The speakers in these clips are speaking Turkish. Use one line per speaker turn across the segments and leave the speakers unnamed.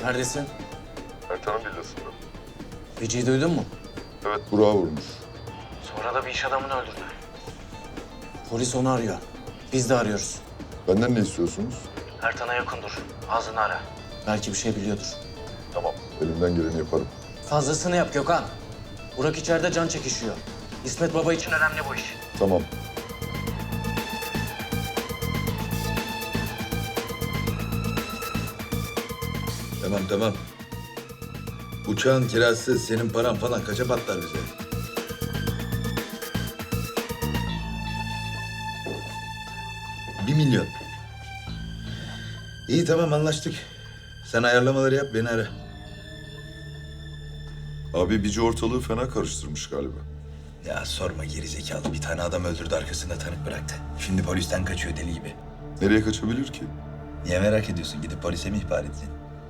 Neredesin?
Ertan'ın villasında.
Vici'yi duydun mu?
Evet, Burak'a vurmuş.
Sonra da bir iş adamını öldürdü. Polis onu arıyor. Biz de arıyoruz.
Benden ne istiyorsunuz?
Ertan'a yakın dur. Ağzını ara. Belki bir şey biliyordur.
Tamam, elimden geleni yaparım.
Fazlasını yap Gökhan. Burak içeride can çekişiyor. İsmet Baba için önemli bu iş.
Tamam.
Tamam. Uçağın kirası, senin paran falan kaça patlar bize? $1 milyon. İyi tamam anlaştık. Sen ayarlamaları yap beni ara.
Abi Bici ortalığı fena karıştırmış galiba.
Ya sorma gerizekalı bir tane adam öldürdü arkasında tanık bıraktı. Şimdi polisten kaçıyor deli gibi.
Nereye kaçabilir ki?
Niye merak ediyorsun? Gidip polise mi ihbar edeceksin?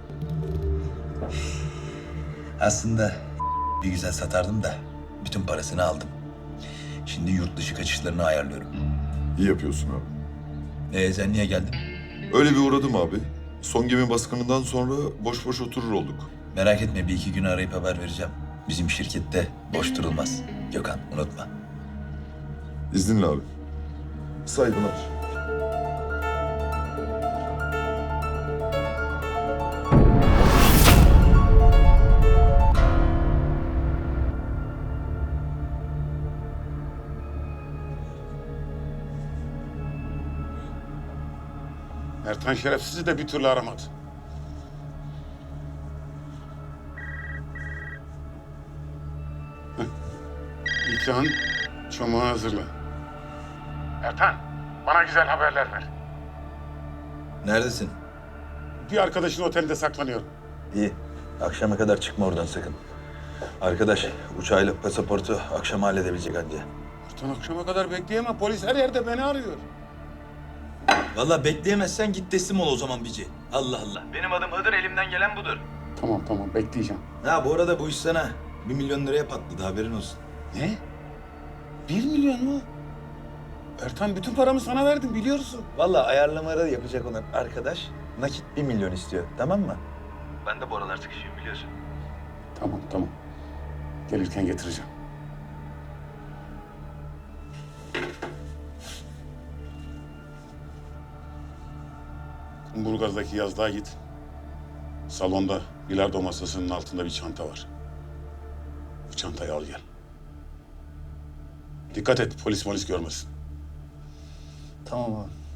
Aslında bir güzel satardım da bütün parasını aldım. Şimdi yurt dışı kaçışlarını ayarlıyorum.
İyi yapıyorsun abi.
Sen niye geldin?
Öyle bir uğradım abi. Son gemi baskınından sonra boş boş oturur olduk.
Merak etme bir iki gün arayıp haber vereceğim. Bizim şirkette boş durulmaz. Gökhan unutma.
İzninle abi. Saygılar.
Ertan şerefsizi de bir türlü aramadı. İlkan, çomağı hazırla. Ertan, bana güzel haberler ver.
Neredesin?
Bir arkadaşın otelde saklanıyor.
İyi. Akşama kadar çıkma oradan sakın. Arkadaş uçağıyla pasaportu akşam halledebilecek anca.
Ertan akşama kadar bekleyemem. Polis her yerde beni arıyor.
Vallahi bekleyemezsen git teslim ol o zaman Bici. Allah Allah. Benim adım Hıdır, elimden gelen budur.
Tamam, bekleyeceğim.
Ha bu arada bu iş sana 1 milyon liraya patladı haberin olsun.
Ne? 1 milyon mu? Ertan bütün paramı sana verdim biliyorsun.
Vallahi ayarlamaları yapacak olan arkadaş nakit 1 milyon istiyor tamam mı? Ben de bu aralar sıkışıyorum biliyorsun.
Tamam. Gelirken getireceğim. Kumburgaz'daki yazlığa git. Salonda bilardo masasının altında bir çanta var. Bu çantayı al gel. Dikkat et polis görmesin.
Tamam abi.